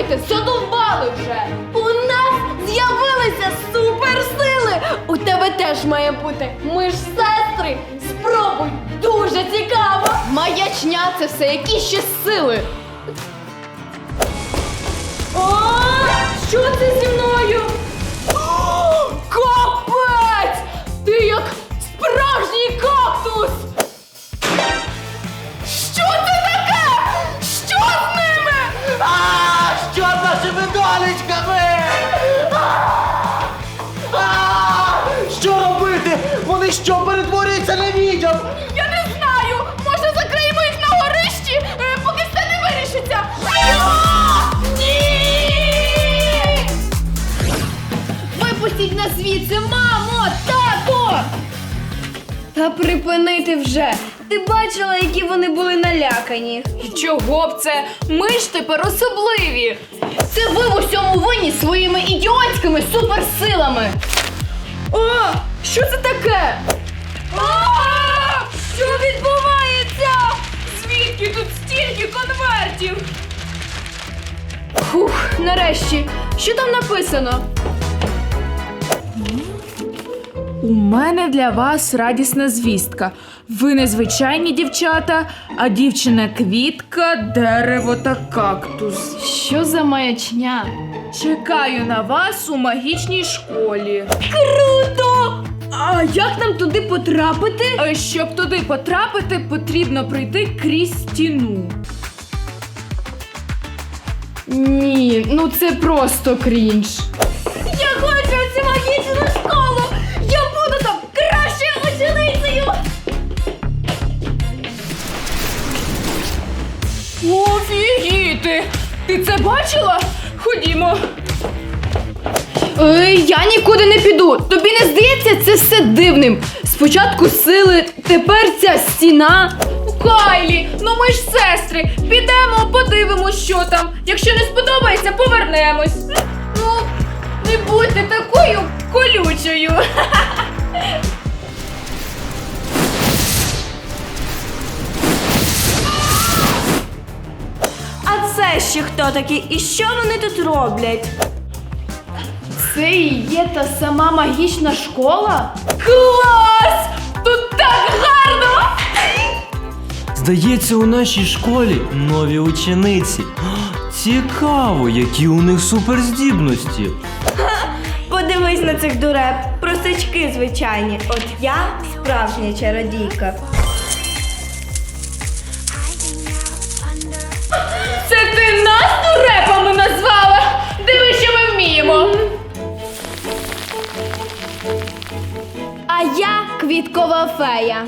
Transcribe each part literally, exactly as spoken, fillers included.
робити? Задовбали вже! У нас з'явилися суперсили! У тебе теж має бути! Ми ж сестри! Спробуй! Дуже цікаво! Маячня це все, які ще сили! О, що це зі мною? О, капець! Ти як справжній кактус! Що це таке? Що з ними? А, що з нашими донечками? А, що робити? Вони що, перетворюються на відьом? Я не знаю! Може закриємо їх на горищі, е, поки все не вирішиться? Ні! Випустіть нас звідси, мамо! Тато! Та припинити вже! Ти бачила, які вони були налякані? І чого б це? Ми ж тепер особливі! Це ви в усьому винні своїми ідіотськими суперсилами! О, що це таке? А! Що відбувається? Звідки тут стільки конвертів? Фух, нарешті. Що там написано? У мене для вас радісна звістка. Ви не звичайні дівчата, а дівчина-квітка, дерево та кактус. Що за маячня? Чекаю на вас у магічній школі. Круто! А як нам туди потрапити? А щоб туди потрапити, потрібно пройти крізь стіну. Ні, ну це просто крінж. Я хочу в цю магічну школу! Я буду там кращою ученицею! Офігіти! Ти це бачила? Ходімо. Ей, я нікуди не піду. Тобі не здається це все дивним? Спочатку сили, тепер ця стіна. Кайлі, ну ми ж сестри. Підемо, подивимось, що там. Якщо не сподобається, повернемось. Ну, не будьте такою колючою. А це ще хто такий? І що вони тут роблять? Це і є та сама магічна школа? Клас! Тут так гарно! Здається, у нашій школі нові учениці. Цікаво, які у них суперздібності. Подивись на цих дуреб. Простачки звичайні. От я справжня чародійка. Це ти нас дурепами назвала? Диви, що ми вміємо. А я квіткова фея.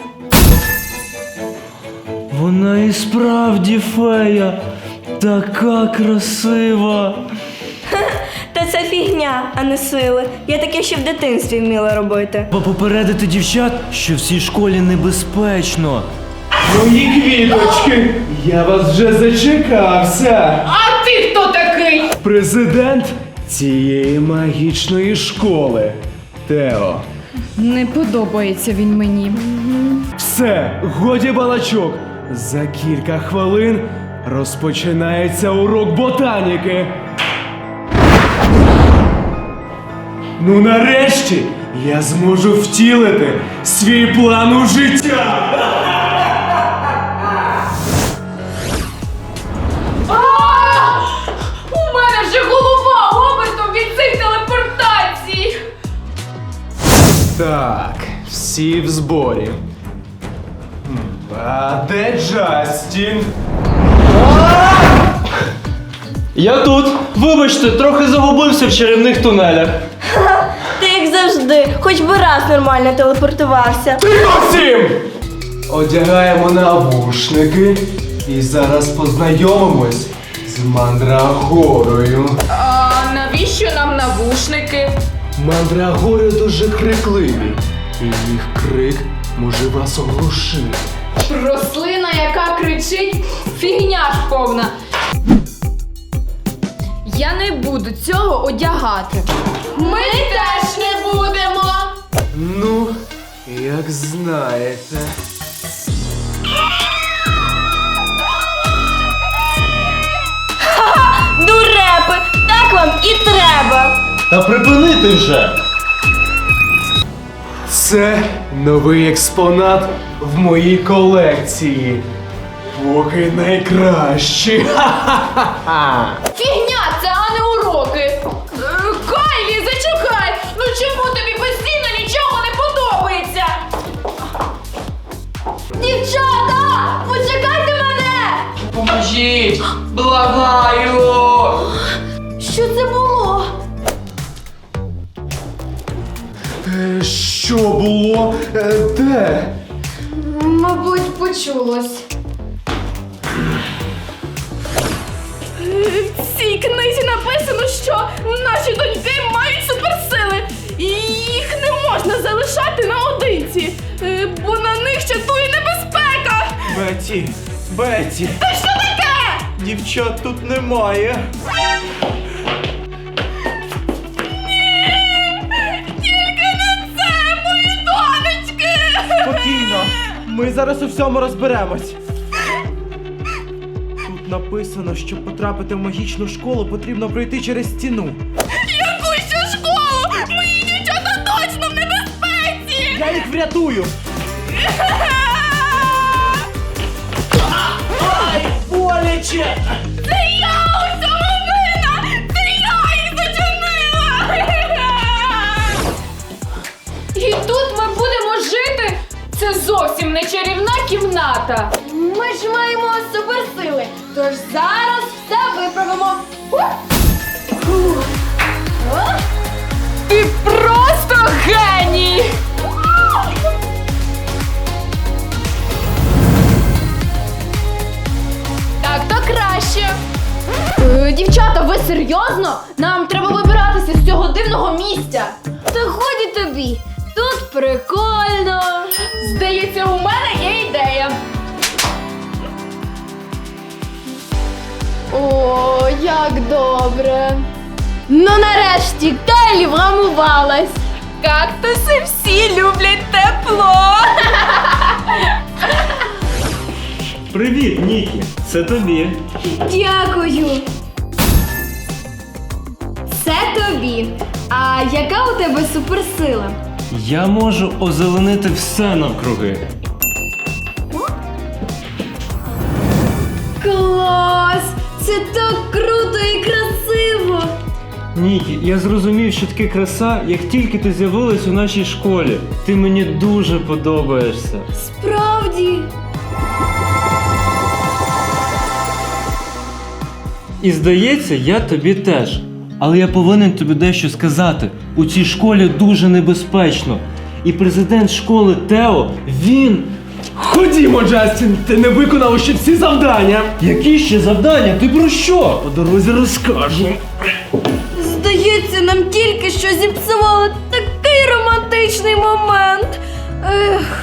Вона і справді фея. Така красива. Та це фігня, а не сили. Я таке ще в дитинстві вміла робити. Бо попередити дівчат, що в цій школі небезпечно. Мої квіточки, я вас вже зачекався. А ти хто такий? Президент цієї магічної школи. Тео. Не подобається він мені. Все, годі балачок. За кілька хвилин розпочинається урок ботаніки. Ну нарешті я зможу втілити свій план у життя. У мене вже голова обертом від цих телепортацій. Так, всі в зборі. А де Джастін? Я тут. Вибачте, трохи загубився в чарівних тунелях. Ти як завжди, хоч би раз нормально телепортувався. Тихо всім! Одягаємо навушники і зараз познайомимось з Мандрагорою. А навіщо нам навушники? Мандрагори дуже крикливі, і їх крик може вас оглушити. Рослина, яка кричить, фігня ж повна. Я не буду цього одягати. Ми теж не будемо. Ну, як знаєте. Дурепи! вам і треба. Та припинити вже! Це новий експонат в моїй колекції. Поки найкращі. Ха-ха-ха-ха. Фігня, це а не уроки. Е, Кайлі, зачекай! Ну чому тобі постійно нічого не подобається? Дівчата, почекайте мене! Поможіть! Благаю! Що це було? Е, Що було? Е, Де? Мабуть, почулось. В цій книзі написано, що наші доньки мають суперсили. І їх не можна залишати наодинці, е, бо на них чатує небезпека. Беті! Беті! Та що таке? Дівчат тут немає! Тільки не це, мої донечки! Спокійно! Ми зараз у всьому розберемось. Тут написано, щоб потрапити в магічну школу, потрібно пройти через стіну. Яку ще школу? Мої дівчата точно в небезпеці! Я їх врятую! Ай, боляче! Це я у цьому винна! Це я їх зачинила! І тут ми будемо жити? Це зовсім не чарівна кімната. Ми ж маємо суперсили, тож зараз все виправимо. Ти просто геній! Так, то краще. Е, дівчата, ви серйозно? Нам треба вибиратися з цього дивного місця. Та годі тобі. Тут прикольно. Здається, у мене є ідея. О, як добре. Ну нарешті Кайлі вгамувалась. Кактуси всі люблять тепло. Привіт, Нікі! Це тобі. Дякую. Це тобі. А яка у тебе суперсила? Я можу озеленити все навкруги. Клас! Це так круто і красиво! Нікі, я зрозумів, що таке краса, як тільки ти з'явилась у нашій школі. Ти мені дуже подобаєшся. Справді. І здається, я тобі теж. Але я повинен тобі дещо сказати. У цій школі дуже небезпечно. І президент школи Тео, він... Ходімо, Джастін, ти не виконав ще всі завдання. Які ще завдання? Ти про що? По дорозі розкажу. Здається, нам тільки що зіпсували такий романтичний момент. Ех.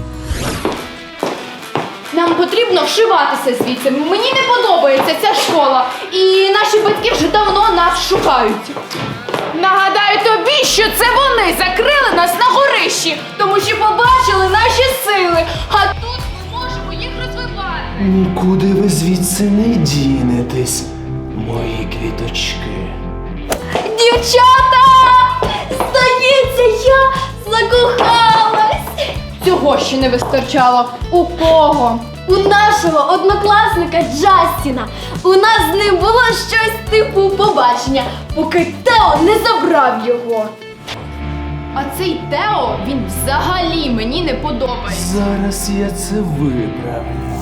Нам потрібно вшиватися звідси. Мені не подобається ця школа. І наші батьки вже давно нас шукають. Нагадаю тобі, що це вони закрили нас на горищі, тому що побачили наші сили. А тут ми можемо їх розвивати. Нікуди ви звідси не дінетесь, мої квіточки. Дівчата! Здається, я закохалась! Цього ще не вистачало. У кого? У нашого однокласника Джастіна. У нас з ним було щось типу побачення, поки Тео не забрав його. А цей Тео, він взагалі мені не подобається. Зараз я це виправлю.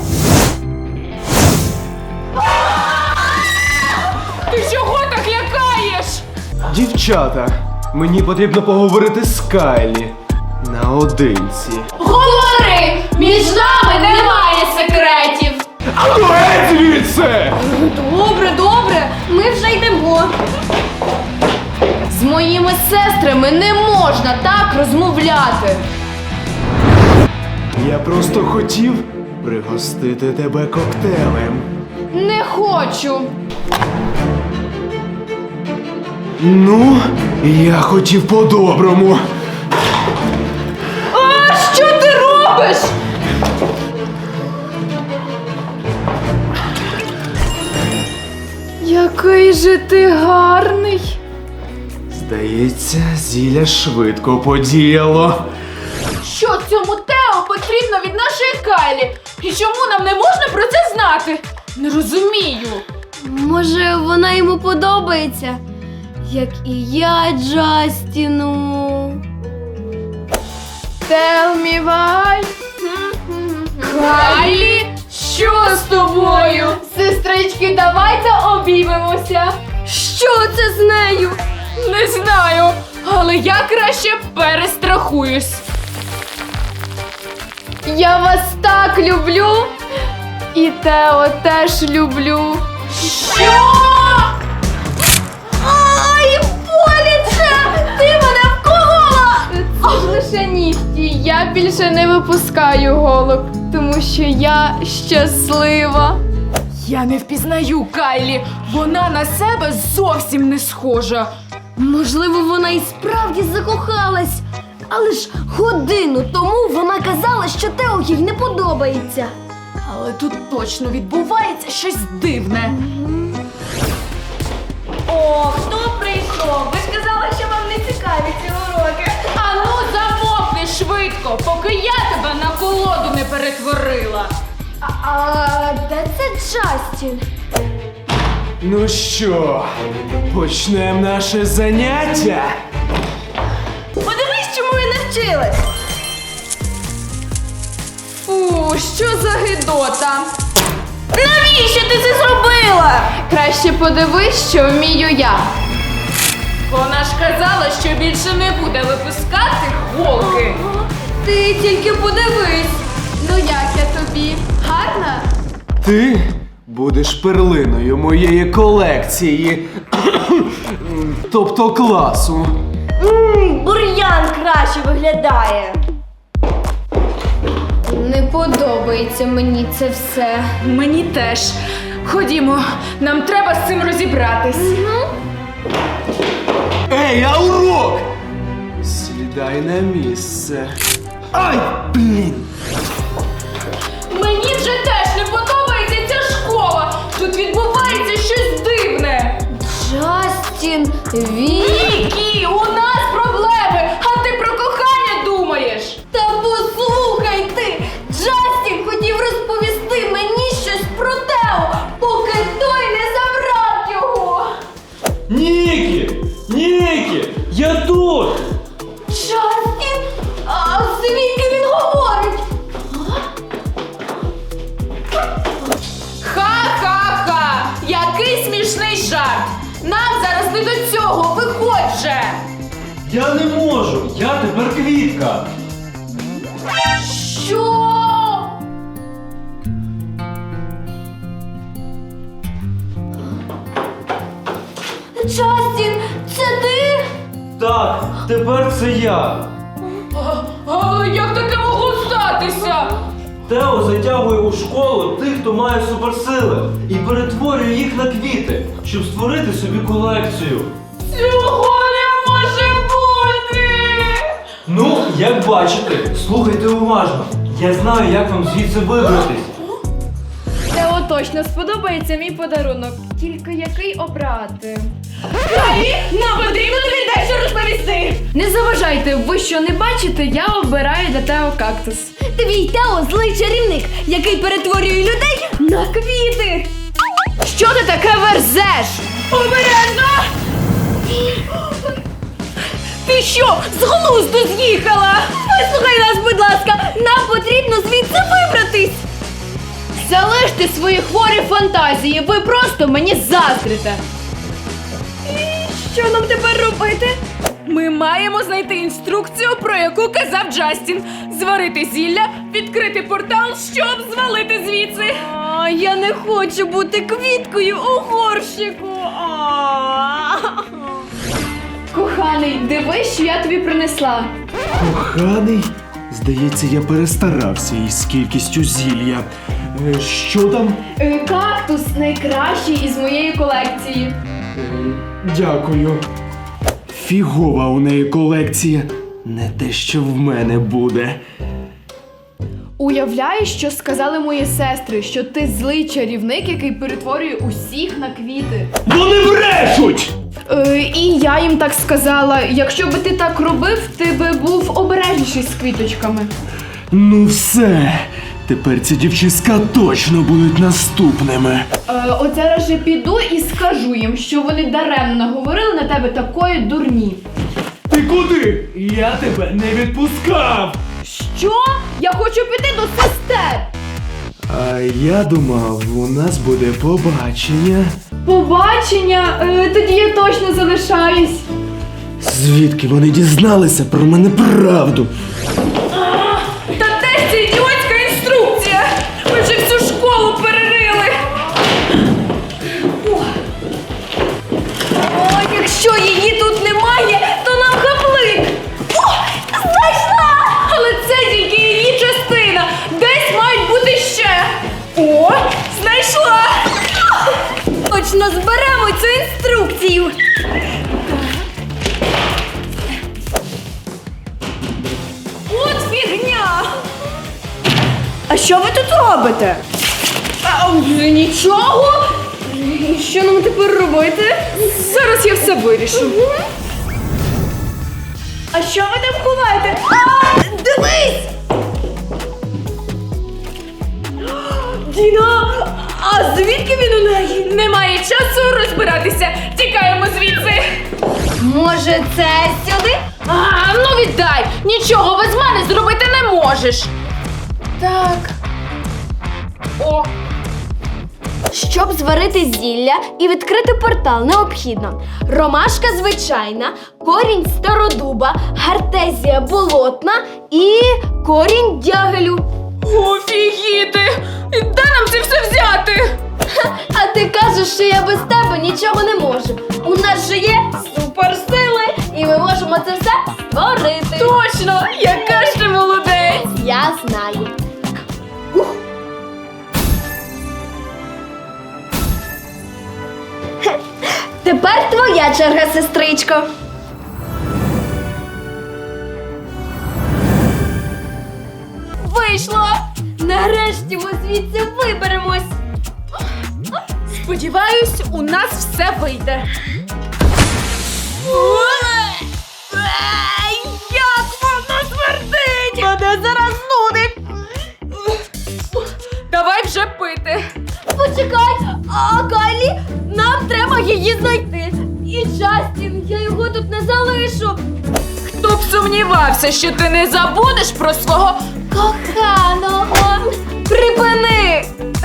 Ти чого так лякаєш? Дівчата, мені потрібно поговорити з Кайлі. Наодинці. Говори! Між нами немає секретів! А ну геть звідси! Добре, добре, ми вже йдемо. З моїми сестрами не можна так розмовляти. Я просто хотів пригостити тебе коктейлем. Не хочу. Ну, я хотів по-доброму. А що ти робиш? Як Який же ти гарний. Здається, зілля швидко подіяло. Що цьому Тео потрібно від нашої Кайлі? І чому нам не можна про це знати? Не розумію. Може, вона йому подобається, як і я Джастіну. Tell me why. Кайлі, що з тобою? Сестрички, давайте обіймемося. Що це з нею? Не знаю, але я краще перестрахуюсь. Я вас так люблю. І Тео теж люблю. Що? Ай, боляче! Ти мене вколола! Це ж лише нігті. Я більше не випускаю голок, тому що я щаслива. Я не впізнаю Кайлі. Вона на себе зовсім не схожа. Можливо, вона і справді закохалась. Але ж годину тому вона казала, що Тео їй не подобається. Але тут точно відбувається щось дивне. О, хто прийшов? Ви ж казали, що вам не цікаві ці уроки. Ану, замовкни швидко, поки я тебе на колоду не перетворила. А, а де це Джастін? Ну що, почнемо наше заняття? Подивись, чому я навчилась. Фу, що за гидота. Навіщо ти це зробила? Краще подивись, що вмію я. Вона ж казала, що більше не буде випускати голки. Ти тільки подивись. Ну як я тобі? Гарна? Ти будеш перлиною моєї колекції. Тобто класу. Ммм, бур'ян краще виглядає. Не подобається мені це все. Мені теж. Ходімо, нам треба з цим розібратись. Ей, а урок! Сідай на місце. Ай, блін! Мені вже теж не подобається ця школа. Тут відбувається щось дивне. Джастін, він... Нікі, у нас проблеми, а ти про кохання думаєш. Та послухай ти! Джастін хотів розповісти мені щось про Тео, поки той не забрав його! Нікі! Нікі! Я тут! Джастін? А звідки він говорить? Ха-ха-ха! Який смішний жарт! Нам зараз не до цього, виходь же! Я не можу! Я тепер квітка! Що? Джастін, це ти? Так, тепер це я! А, а, як таке могло статися? Тео затягує у школу тих, хто має суперсили, і перетворює їх на квіти, щоб створити собі колекцію. Цього не може бути! Ну, як бачите, слухайте уважно. Я знаю, як вам звідси вибратись. Тео точно сподобається мій подарунок. Тільки який обрати? Нам потрібно тобі дещо розповісти. Не заважайте, ви що не бачите, я обираю для Тео кактус. Твій Тео злий чарівник, який перетворює людей на квіти. Що ти таке верзеш? Обережно! Ти що, з глузду з'їхала? Вислухай нас, будь ласка, нам потрібно звідси вибратись. Залиште свої хворі фантазії, ви просто мені заздрите. Що нам тепер робити? Ми маємо знайти інструкцію, про яку казав Джастін. Зварити зілля, відкрити портал, щоб звалити звідси. А, я не хочу бути квіткою у горщику. Коханий, дивись, що я тобі принесла. Коханий? Здається, я перестарався із кількістю зілля. Е, Що там? Е, Кактус найкращий із моєї колекції. Е, Дякую. Фігова у неї колекція. Не те, що в мене буде. У Уявляєш, що сказали мої сестри, що ти злий чарівник, який перетворює усіх на квіти. Вони брешуть! Е, і я їм так сказала, якщо би ти так робив, ти би був обережніший з квіточками. Ну все, тепер ці дівчиська точно будуть наступними. Е, от зараз же піду і скажу їм, що вони даремно наговорили на тебе такої дурні. Ти куди? Я тебе не відпускав! Що? Я хочу піти до сестер! А я думав, у нас буде побачення. Побачення? Е, тоді я точно залишаюсь. Звідки вони дізналися про мене правду? Та де ж ця ідіотська інструкція? Ми вже всю школу перерили. О, О, якщо її тут немає, то нам хаплик. О, знайшла! Але це тільки її частина. Десь мають бути ще. О, знайшла! Точно зберемо цю інструкцію. От фігня! А що ви тут робите? А, нічого. І що нам тепер робити? Зараз я все вирішу. А що ви там ховаєте? А, дивись! Діна, а звідки він у неї? Немає часу розбиратися. Тікаємо звідси. Може, це сюди? А, ну віддай! Нічого без мене зробити не можеш. Так. О, Щоб зварити зілля і відкрити портал, необхідно ромашка звичайна, корінь стародуба, гартезія болотна і корінь дягелю. офігіти! Де нам це все взяти? А ти кажеш, що я без тебе нічого не можу. У нас же є суперсили, і ми можемо це все створити. Точно! Яка ж ти молодець! Я знаю. Хе, Тепер твоя черга, сестричко. Вийшло! Нарешті ми звідси виберемось. Сподіваюсь, у нас все вийде. Як воно смердить! Мене зараз нудить! Давай вже пити. Почекай, а Кайлі, нам треба її знайти. І Джастін, я його тут не залишу. Хто б сумнівався, що ти не забудеш про свого Коханого, припини!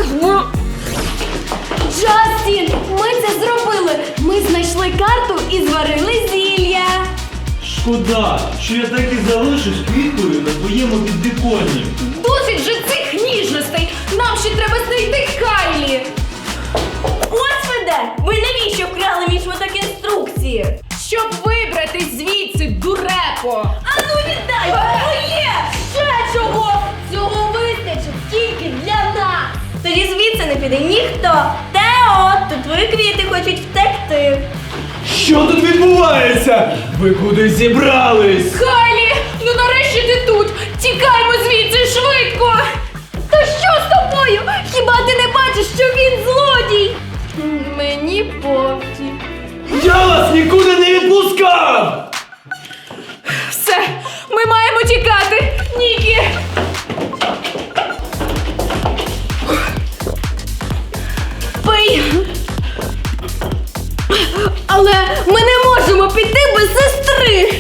Джастін, ми це зробили. Ми знайшли карту і зварили зілля. Шкода, що я так і залишусь квіткою на твоєму підвіконні. Досить же цих ніжностей! Нам ще треба знайти Кайлі! Ось ви де! Ви навіщо вкрали мій шматок інструкції? Щоб вибратись звідси, дурепо! А ну віддай! Моє! Ще чого? Цього вистачить тільки для нас. Тоді звідси не піде ніхто. Тео, тут твої квіти хочуть втекти. Що тут відбувається? Ви куди зібрались? Кайлі, ну нарешті ти тут! Тікаймо звідси швидко! Та що з тобою? Хіба ти не бачиш, що він злодій? Мені пофіг. Я вас нікуди не відпускав! Все, ми маємо тікати! Нікі! Пий. Але ми не можемо піти без сестри.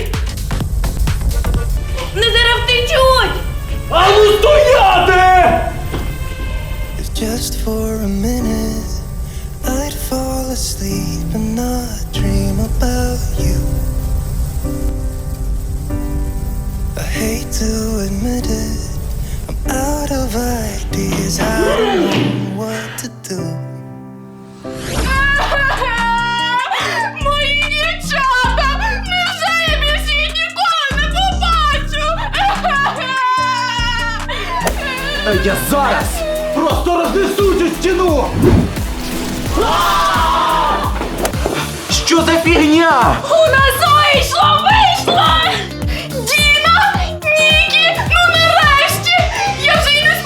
Не зараз втечуть! А ну стояти! If just for a minute I'd fall asleep and not dream about you. I hate to admit it, I'm out of ideas, I don't know what to do. Мої дівчата! Невже я більше їх ніколи не побачу? Я зараз просто рознесу цю стіну! Що за фігня? У нас вийшло! Вийшло! Діна! Нікі! Ну нарешті! Я вже й не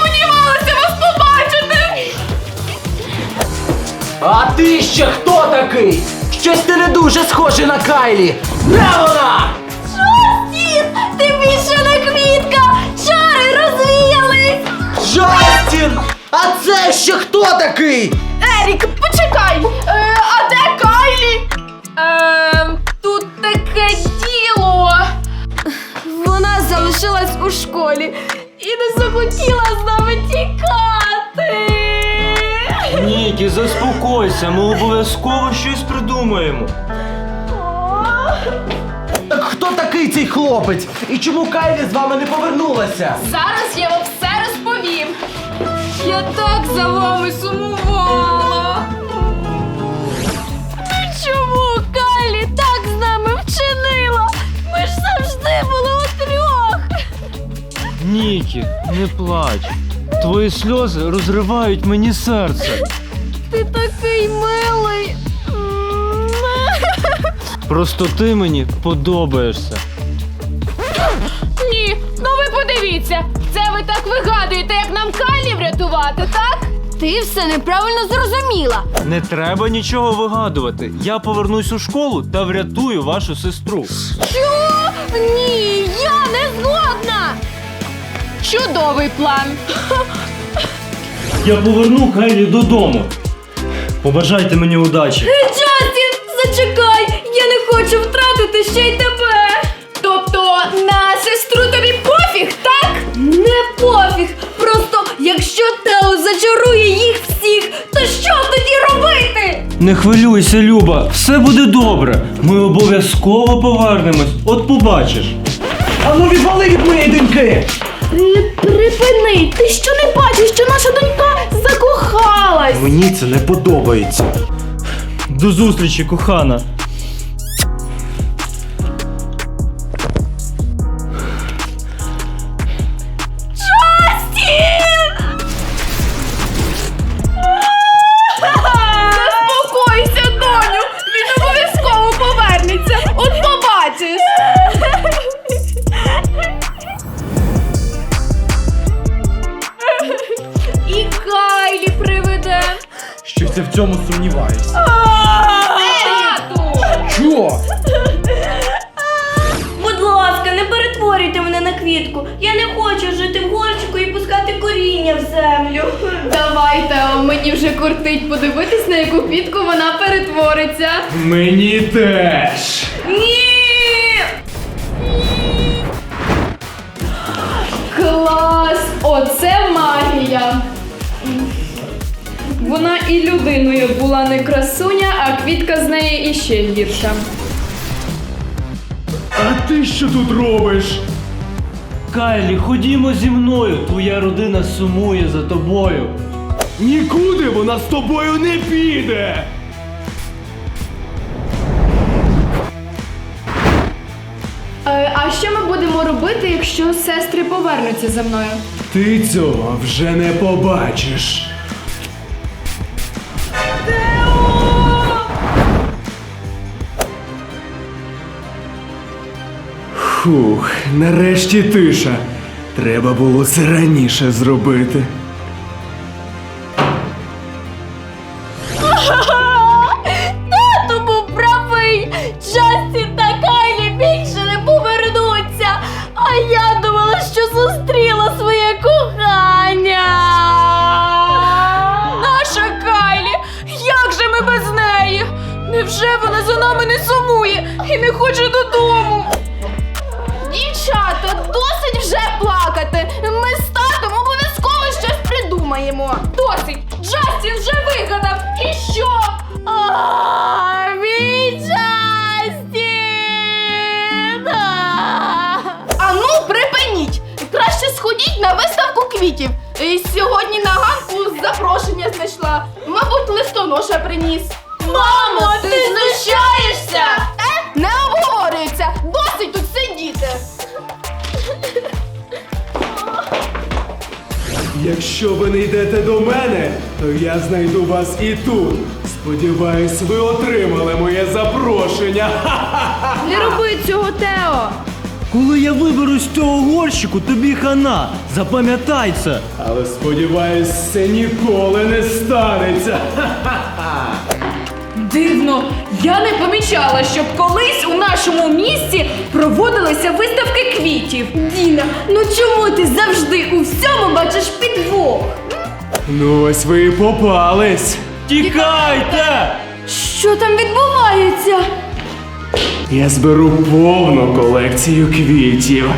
А ти ще хто такий? Щось ти не дуже схожий на Кайлі. Де вона? Джастін! Ти більше не квітка! Чари розвіялись! Джастін! А це ще хто такий? Ерік, почекай! Е, а де Кайлі? Ем, тут таке діло. Вона залишилась у школі і не захотіла з нами тікати. Нікі, заспокойся, ми обов'язково щось придумаємо. Так хто такий цей хлопець? І чому Кайлі з вами не повернулася? Зараз я вам все розповім. Я так за вами сумувала. Ну чому Кайлі так з нами вчинила? Ми ж завжди були утрьох. Нікі, не плач. Твої сльози розривають мені серце. Ти такий милий. Просто ти мені подобаєшся. Ні, ну ви подивіться. Це ви так вигадуєте, як нам Кайлі врятувати, так? Ти все неправильно зрозуміла. Не треба нічого вигадувати. Я повернусь у школу та врятую вашу сестру. Що? Ні, я не згодна. Чудовий план. Я поверну Кайлі додому. Побажайте мені удачі. Джастін, зачекай! Я не хочу втратити ще й тебе! Тобто на сестру тобі пофіг, так? Не пофіг! Просто якщо Тео зачарує їх всіх, то що тоді робити? Не хвилюйся, Люба, все буде добре. Ми обов'язково повернемось, от побачиш. А ну відвали від моєї доньки! Припини, ти що не бачиш, що наша донька закохалась? Мені це не подобається. До зустрічі, кохана. Заспокойся, доню, він обов'язково повернеться, от побачиш. І Кайлі приведе. Щось я в цьому сумніваюся. Тату! Що? Будь ласка, не перетворюйте мене на квітку. Я не хочу жити в горщику і пускати коріння в землю. Давайте, мені вже кортить подивитись, на яку квітку вона перетвориться. Мені теж. Ні! Клас! Оце магія! Вона і людиною була не красуня, а квітка з неї іще гірша. А ти що тут робиш? Кайлі, ходімо зі мною, твоя родина сумує за тобою. Нікуди вона з тобою не піде. Е, а що ми будемо робити, якщо сестри повернуться за мною? Ти цього вже не побачиш. Фух, нарешті тиша. Треба було це раніше зробити. Тато був правий! Джастін та Кайлі більше не повернуться! А я думала, що зустріла своє кохання! Наша Кайлі! Як же ми без неї? Невже вона за нами не сумує і не хоче додому? Дівчата, досить вже плакати! Ми з татом обов'язково щось придумаємо! Досить! Джастін вже вигадав! І що? А, мій Джастін! А ну, припиніть! Краще сходіть на виставку квітів. І сьогодні на ганку запрошення знайшла. Мабуть, листоноша приніс. Мамо, ти знущаєшся? Е? Не обговорюється! Досить тут сидіти! Якщо ви не йдете до мене, то я знайду вас і тут. Сподіваюсь, ви отримали моє запрошення. Не роби цього, Тео! Коли я виберусь з цього горщику, тобі хана. Запам'ятай це. Але сподіваюсь, це ніколи не станеться. Ха-ха-ха. Дивно, я не помічала, щоб колись у нашому місті проводилися виставки квітів. Діна, ну чому ти завжди у всьому бачиш підвох? Ну ось ви і попались. Тікайте! Що там відбувається? Я зберу повну колекцію квітів.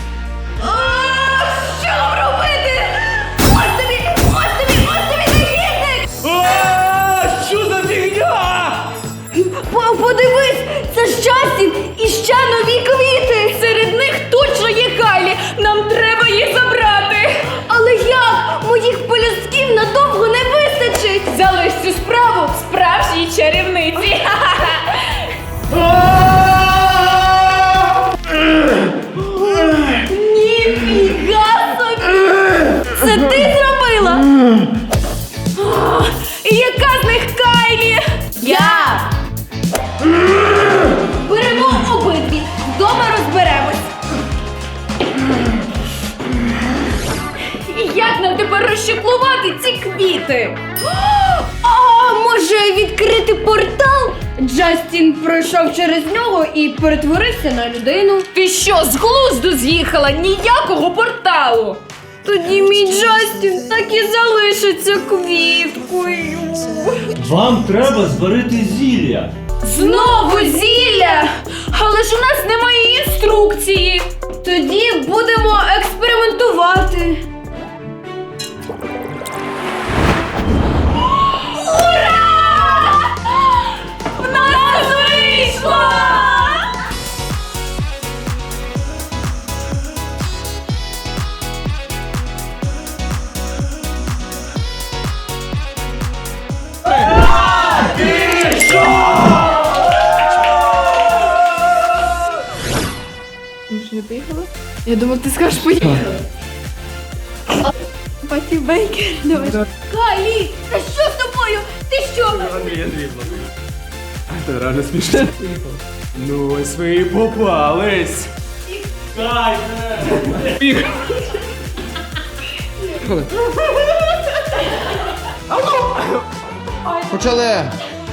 Що нам робити? Ось тобі, ось тобі, ось тобі негідник! А, що за фігня? По- Подивись, це ж Джастін і ще нові квіти! Серед них точно є Кайлі. Нам треба їх забрати. Але як? Моїх полюсків надовго не вистачить! Залиш цю справу справжній чарівниці. Ніфіга собі! Це ти зробила? І яка з них Кайлі? Я! Беремо обидві, вдома розберемось. І як нам тепер розчеклувати ці квіти? А може відкрити портал? Джастін пройшов через нього і перетворився на людину. Ти що, з глузду з'їхала? Ніякого порталу. Тоді мій Джастін так і залишиться квіткою. Вам треба зварити зілля. Знову зілля! Але ж у нас немає інструкції. Тоді будемо експериментувати. В нас вийшло! Ми ж не поїхали? Я думав, ти скажеш поїхали. Паті Бейкер, давай. Кайлі, та що з тобою? Ти що? Це реально смішно. Ну ось ви і попались. Почали!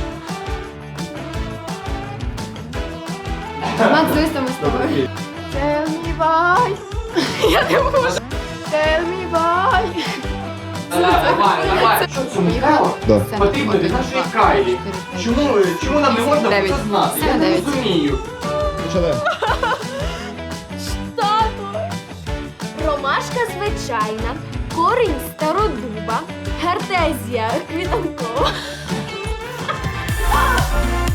Макс, дивись там з тобою. Tell me why. Я не можу. Tell me why. Да. Потрібно від нашої Кайлі. Чому, чому нам не можна про це знати? Я не розумію. Почали! Ромашка звичайна, корінь стародуба, гартезія квітанкова.